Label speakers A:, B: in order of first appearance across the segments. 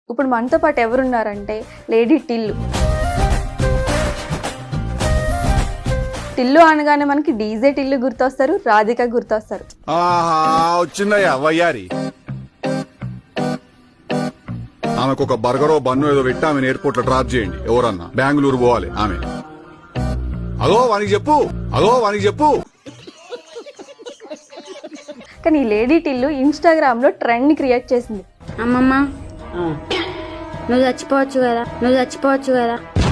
A: ఇప్పుడు మనతో పాటు ఎవరున్నారంటే లేడీ టిల్లు. టిల్లు అనగానే మనకి డీజే టిల్లు గుర్తొస్తారు, రాధిక గుర్తొస్తారు.
B: వచ్చిందయ్యా వయ్యారి. ఆమెకు ఒక బర్గరో బన్ను ఏదో పెట్టి ఆమె ఎయిర్పోర్ట్ లో డ్రాప్ చేయండి. ఎవరన్నా బెంగళూరు పోవాలి ఆమె. అగో వానికి చెప్పు.
A: కానీ ఈ లేడీ టిల్లు ఇన్స్టాగ్రామ్ లో ట్రెండ్ క్రియేట్ చేసింది.
C: అమ్మమ్మ నువ్వు చచ్చిపోవచ్చు కదా.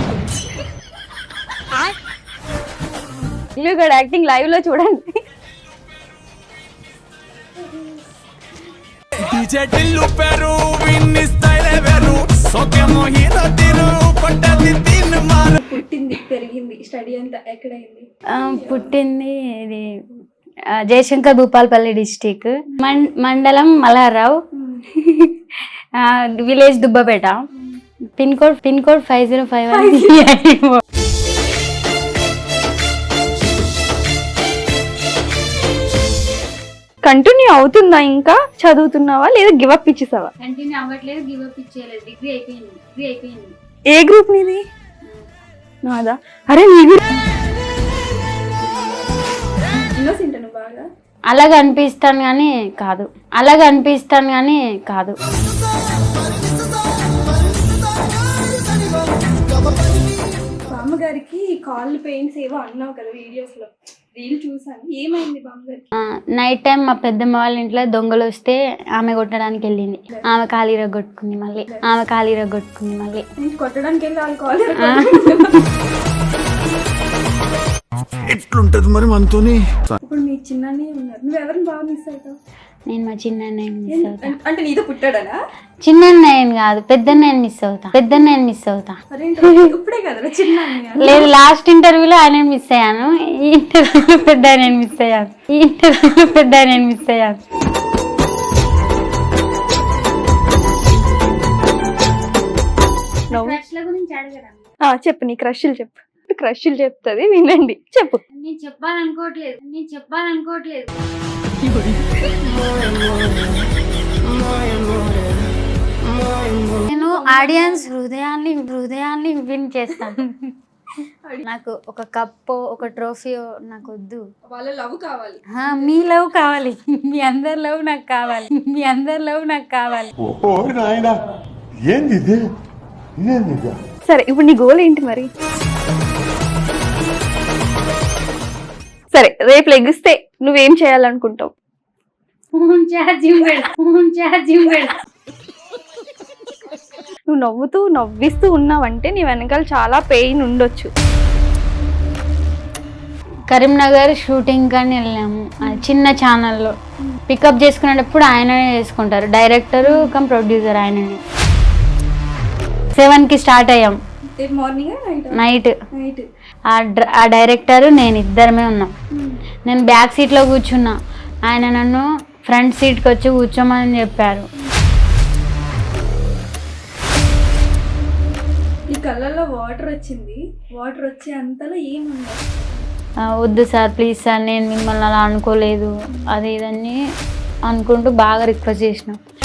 A: టిల్లు కూడా యాక్టింగ్ లైవ్ లో చూడండి. పుట్టింది పెరిగింది స్టడీ అంతా ఎక్కడైంది?
C: పుట్టింది ఇది జయశంకర్ భూపాలపల్లి డిస్టిక్, మండలం Malharrao, village Dubbapeta, pin code 5051.
A: Continue అవుతుందా? ఇంకా చదువుతున్నావా లేదా గివ్ అప్ ఇచ్చేసావా?
C: కంటిన్యూ అవ్వట్లేదు, గివ్ అప్ ఇచ్చేయలేదు. డిగ్రీ అయిపోయింది.
A: ఏ గ్రూప్ నీది? నాదా. అరే నీది బాగా
C: అలాగ అనిపిస్తాను కానీ కాదు.
A: బామ్మగారికి కాళ్ళు పెయిన్స్ ఏవో అన్నావు కదా వీడియోస్ లో, రీల్ చూసాను. ఏమైంది బామ్మగారికి?
C: నైట్ టైం మా పెద్దమ్మ వాళ్ళ ఇంట్లో దొంగలు వస్తే ఆమె కొట్టడానికి వెళ్ళింది. ఆమె కాలు ఇరగొట్టుకుంది మళ్ళీ.
A: కొట్టడానికి వెళ్ళి వాళ్ళు కాళ్ళు
B: ఎట్లుంటది మరి మనతోని?
A: ఇప్పుడు మీ చిన్ననే ఉన్నారు, నువ్వు ఎవరిని బాగా మిస్ అవుతావు?
C: నేను మా చిన్నన్నయ్యని మిస్ అవుతా.
A: అంటే నీతో పుట్టాడనా?
C: చిన్నన్నయ్యని కాదు, పెద్దన్నయ్యని మిస్ అవుతా.
A: ఇప్పుడే కదా చిన్న.
C: లేదు, లాస్ట్ ఇంటర్వ్యూలో ఆయన మిస్ అయ్యాను. ఈ ఇంటర్వ్యూలో పెద్ద ఆయన మిస్ అయ్యాను.
A: చెప్పు, నీ క్రష్లు చెప్పు. క్రష్లు చెప్తుంది, వినండి. చెప్పు.
C: నేను చెప్పాలనుకోవట్లేదు. నేను ఆడియన్స్ హృదయాన్ని విన్ చేస్తాను. నాకు ఒక కప్పో ఒక ట్రోఫీయో నాకు వద్దు.
A: వాళ్ళ లవ్ కావాలి.
C: మీ లవ్ కావాలి. మీ అందరి లవ్ నాకు కావాలి.
A: సరే, ఇప్పుడు నీ గోల్ ఏంటి మరి? సరే, రేపు లెగిస్తే నువ్వేం చేయాలనుకుంటావు? నువ్వు నవ్విస్తూ ఉన్నావంటే నీ వెనకాల చాలా పెయిన్ ఉండొచ్చు.
C: కరీంనగర్ షూటింగ్ కానీ వెళ్ళాము, చిన్న ఛానల్లో. పికప్ చేసుకునేటప్పుడు ఆయననే చేసుకుంటారు, డైరెక్టరు కమ్ ప్రొడ్యూసర్ ఆయననే. 7కి స్టార్ట్ అయ్యాం, నైట్. ఆ డైరెక్టరు నేను ఇద్దరమే ఉన్నాం. నేను బ్యాక్ సీట్లో కూర్చున్నా, ఆయన నన్ను ఫ్రంట్ సీట్కి వచ్చి కూర్చోమని చెప్పారు.
A: ఈ కళ్ళల్లో వాటర్ వచ్చే అంతలో ఏముంది?
C: వద్దు సార్, ప్లీజ్ సార్, నేను మిమ్మల్ని అలా అనుకోలేదు, అది ఇదని అనుకుంటూ బాగా రిక్వెస్ట్ చేసిన.